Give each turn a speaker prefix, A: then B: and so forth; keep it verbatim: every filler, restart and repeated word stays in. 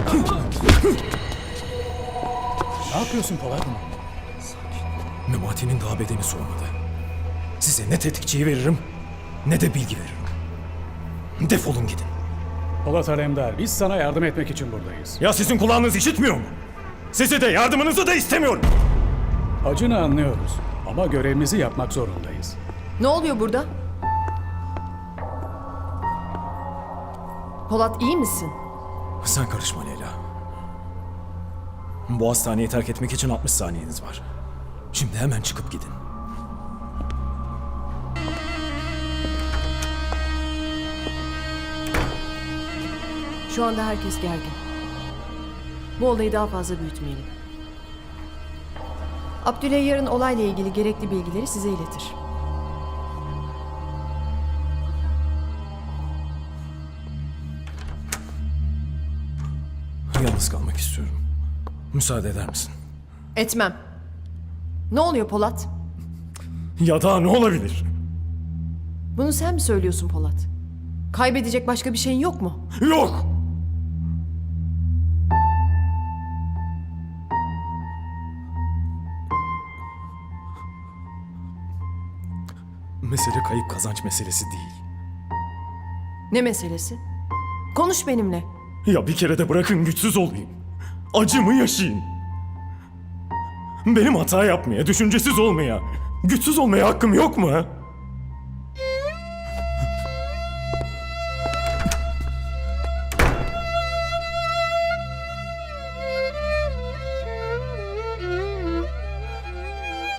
A: Ne yapıyorsun Polat?
B: Memati'nin daha bedeni soğumadı. Size ne tetikçiyi veririm, ne de bilgi veririm. Defolun gidin.
A: Polat Alemdar, biz sana yardım etmek için buradayız.
B: Ya sizin kulağınız işitmiyor mu? Sizi de yardımınızı da istemiyorum.
A: Acını anlıyoruz ama görevimizi yapmak zorundayız.
C: Ne oluyor burada? Polat iyi misin?
B: Sen karışma Leyla. Bu hastaneyi terk etmek için altmış saniyeniz var. Şimdi hemen çıkıp gidin.
C: Şu anda herkes gergin. Bu olayı daha fazla büyütmeyelim. Abdüley yarın olayla ilgili gerekli bilgileri size iletir.
B: Yalnız kalmak istiyorum. Müsaade eder misin?
C: Etmem. Ne oluyor Polat?
B: Ya daha ne olabilir?
C: Bunu sen mi söylüyorsun Polat? Kaybedecek başka bir şeyin yok mu?
B: Yok! Mesele kayıp kazanç meselesi değil.
C: Ne meselesi? Konuş benimle.
B: Ya bir kere de bırakın güçsüz olayım. Acımı yaşayın. Benim hata yapmaya, düşüncesiz olmaya, güçsüz olmaya hakkım yok mu ha?